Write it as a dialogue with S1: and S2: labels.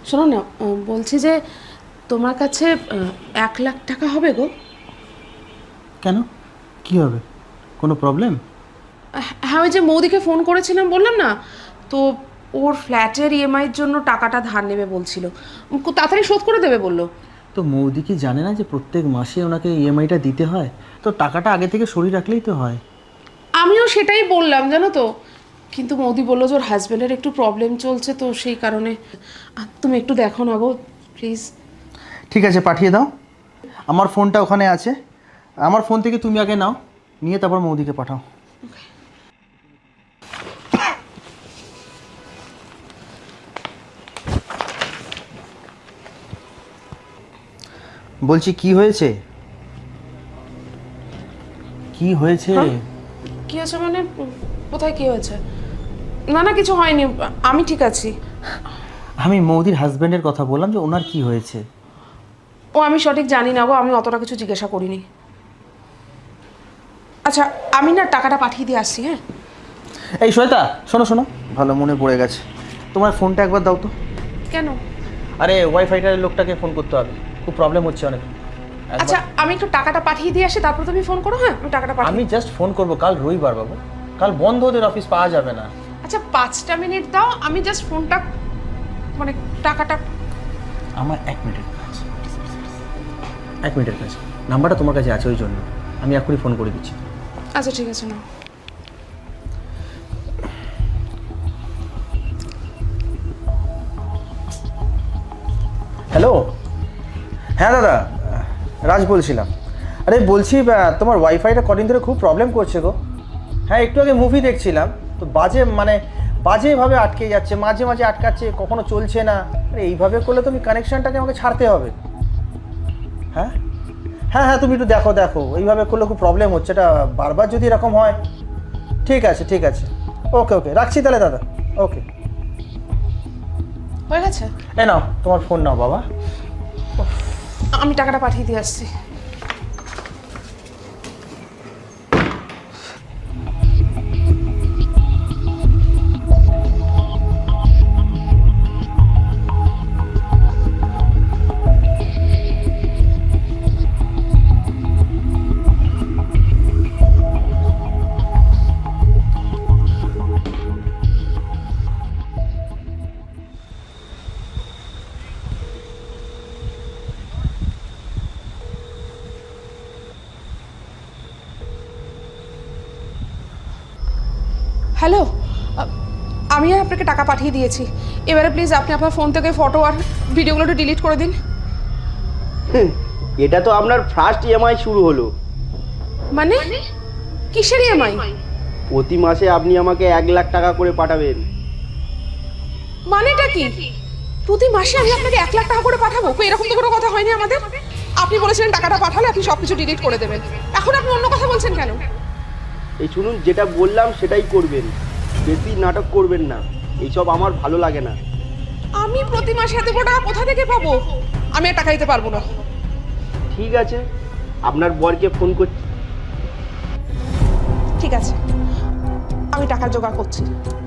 S1: শোনো না, বলছি যে তোমার কাছে 1,00,000 টাকা হবে গো?
S2: কেন, কি হবে, কোনো প্রবলেম?
S1: হ্যাঁ, ওই যে মৌদিকে ফোন করেছিলাম বললাম না, তো ওর ফ্ল্যাটের ইএমআইয়ের জন্য টাকাটা ধার নেবে বলছিল, খুব তাড়াতাড়ি শোধ করে দেবে বললো।
S2: তো মৌদি কি জানে না যে প্রত্যেক মাসে ওনাকে ইএমআইটা দিতে হয়? তো টাকাটা আগে থেকে সরিয়ে রাখলেই তো হয়।
S1: আমিও সেটাই বললাম জানো তো, কিন্তু মৌদি বললো যে ওর হাজব্যান্ডের একটু প্রবলেম চলছে, তো সেই কারণে তুমি একটু দেখো না গো প্লিজ।
S2: ঠিক আছে, পাঠিয়ে দাও। আমার ফোনটা ওখানে আছে, আমার ফোন থেকে তুমি আগে নাও, নিয়ে তারপর মৌদিকে পাঠাও। বলছি কি হয়েছে, কি হয়েছে?
S1: কি হয়েছে মানে? কোথায় কি হয়েছে? না না, কিছু হয়নি, আমি ঠিক আছি।
S2: আমি মৌদির হাজব্যান্ডের কথা বললাম, যে ওনার কি হয়েছে।
S1: ও আমি সঠিক জানি না গো, আমি অতটা কিছু জিজ্ঞাসা করিনি। আচ্ছা, আমি না টাকাটা পাঠিয়ে দিয়ে আসছি। হ্যাঁ
S2: এই শ্বেতা, শোনো শোনো, ভালো মনে পড়ে গেছে, তোমার ফোনটা একবার দাও তো।
S1: কেন?
S2: আরে ওয়াইফাইটার লোকটাকে ফোন করতে হবে, খুব প্রবলেম হচ্ছে অনেক।
S1: আচ্ছা, আমি একটু টাকাটা পাঠিয়ে দিয়ে আসি, তারপর তুমি ফোন করো। হ্যাঁ, আমি টাকাটা
S2: আমি জাস্ট ফোন করব, কাল রবিবার বাবু, কাল বন্ধ, ওদের অফিস পাওয়া যাবে না।
S1: আচ্ছা, 5টা মিনিট দাও, আমি জাস্ট ফোনটা মানে টাকাটা।
S2: আমার 1 মিনিটের কাজ, 1 মিনিটের কাজ, নাম্বারটা তোমার কাছে আছে ওই জন্য আমি এখনই ফোন করে দিচ্ছি।
S1: আচ্ছা ঠিক আছে, না
S2: হ্যালো, হ্যাঁ দাদা, রাজ বলছিলাম। আরে বলছি তোমার ওয়াইফাইটা কদিন ধরে খুব প্রবলেম করছে গো। হ্যাঁ, একটু আগে মুভি দেখছিলাম, তো বাজেভাবে আটকে যাচ্ছে, মাঝে মাঝে আটকাচ্ছে, কখনো চলছে না। আরে এইভাবে করলে তুমি কানেকশানটাকে আমাকে ছাড়তে হবে। হ্যাঁ হ্যাঁ হ্যাঁ, তুমি একটু দেখো, এইভাবে করলে খুব প্রবলেম হচ্ছে, এটা বারবার যদি এরকম হয়। ঠিক আছে ঠিক আছে, ওকে ওকে, রাখছি তাহলে দাদা, ওকে।
S1: হয়ে গেছে।
S2: এ নাও তোমার ফোন নাও বাবা।
S1: আমি টাকাটা পাঠিয়ে দিয়ে আসছি। হ্যালো, আমি আপনাকে টাকা পাঠিয়ে দিয়েছি, এবারে প্লিজ আপনি আপনার ফোন থেকে ফটো আর ভিডিওগুলো একটু ডিলিট করে দিন।
S3: এটা তো আপনার ফার্স্ট ইএমআই শুরু হলো।
S1: মানে কিসের ইএমআই?
S3: প্রতি মাসে আপনি আমাকে 1,00,000 টাকা করে পাঠাবেন।
S1: মানেটা কি? প্রতি মাসে আমি আপনাকে 1,00,000 টাকা করে পাঠাবো? এরকম তো কোনো কথা হয়নি আমাদের। আপনি বলেছিলেন টাকাটা পাঠালে আপনি সবকিছু ডিলিট করে দেবেন, এখন আপনি অন্য কথা বলছেন কেন?
S3: এই শুনুন, যেটা বললাম সেটাই করবেন, বেশি নাটক করবেন না, এইসব আমার ভালো লাগে না।
S1: আমি প্রতি মাসে এত বড় টাকা কোথা থেকে পাবো? আমি আর টাকা দিতে পারবো না।
S3: ঠিক আছে, আপনার বরকে ফোন করছি।
S1: ঠিক আছে, আমি টাকার জোগাড় করছি।